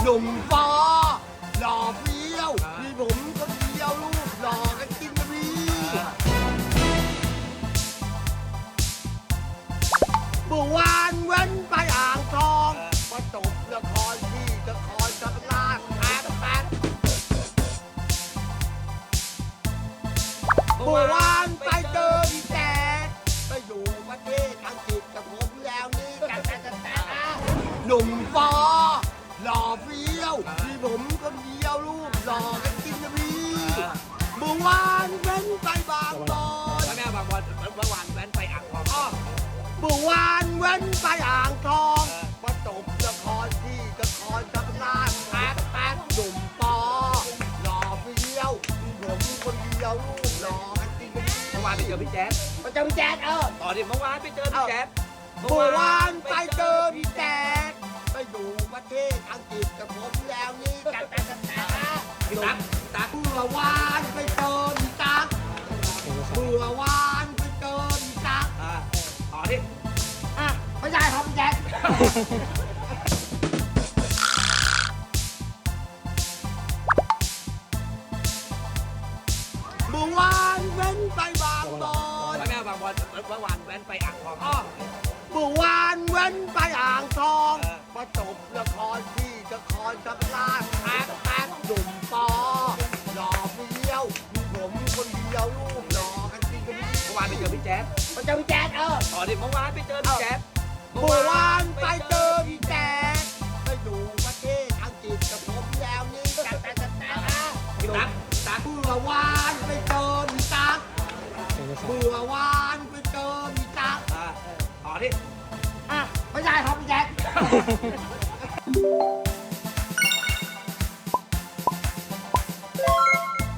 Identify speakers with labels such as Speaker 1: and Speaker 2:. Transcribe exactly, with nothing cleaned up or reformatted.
Speaker 1: หนุ่มฟอหล่อเฟี้ยวมีผมคนเดียวลูกหล่อกันจริงนะพี่เมื่อวานเว้นไปอ่างทองมาจบละครที่นครศรีธรรมราชแป๊บแป๊บเมื่อวานไปเจอพี่แจ๊ดไปอยู่ประเทศอังกฤษกับผมแล้วนี่กันแต่แต่แต่หนุ่มฟอหล่อเฟี้ยวมีผมคนเดียวลูกหล่อกันจริงนะพี่เมื่อวานเว้นไปบางบอน
Speaker 2: แม่บางวันเมื่อวานแว้นไปอ่างทองอ้อ
Speaker 1: เมื่อวานเว้นไปอ่างทองมาจบละครที่นครศรีธรรมราชแป๊บแป๊บหนุ่มปอหล่อเฟี้ยวมีผมคนเดียวลูกหล่อกันจริงนะพี่
Speaker 2: เมื่อวานไปเจอพี่แจ๊ด
Speaker 1: มาเจอพี่แจ๊ดเออ
Speaker 2: ต่อดิเมื่อวานไปเจอพี่แจ๊ด
Speaker 1: เมื่อวานไปเจอพี่แจ๊ดไปอยู่ประเทศอังกฤษกับผมแล้วนี่กันแต่แต่แต่
Speaker 2: พี่ตั๊กตั๊ก
Speaker 1: เมื่อวานไปเจอพี่ตั๊กเมื่อวานไปเจอพี่ตั๊ก
Speaker 2: อ่าต่อดิ
Speaker 1: อ่ะไม่ใช่ครับพี่แจ๊ดเมื่อวานเว้นไปบางบอน
Speaker 2: แม่บางวันเมื่อวานแว้นไปอ่างทองอ้อ
Speaker 1: เมื่อวานเว้นไปอ่างทองมาจบละครที่นครศรีธรรมราชแป๊บแป๊บหนุ่มปอหล่อเฟี้ยวมีผมคนเดียวลูกหล่อกันจริงกัน
Speaker 2: เมื่อวานไปเจอพี่แจ๊ด
Speaker 1: มาเจอพี่แจ๊ดเออ
Speaker 2: ต่อดิเมื่อวานไปเจอพี่แจ๊ด
Speaker 1: เมื่อวานไปเจอพี่แจ๊ดไปอยู่ประเทศอังกฤษกับผมแล้วนี่แต่แต่แต่แต่
Speaker 2: พี่ตั๊กตั๊ก
Speaker 1: เมื่อวานไปเจอพี่ตั๊กเมื่อวานไปเจอพี่ตั๊ก
Speaker 2: อ่าต่อดิ
Speaker 1: อ่ะไม่ใช่ครับพี่แจ๊ด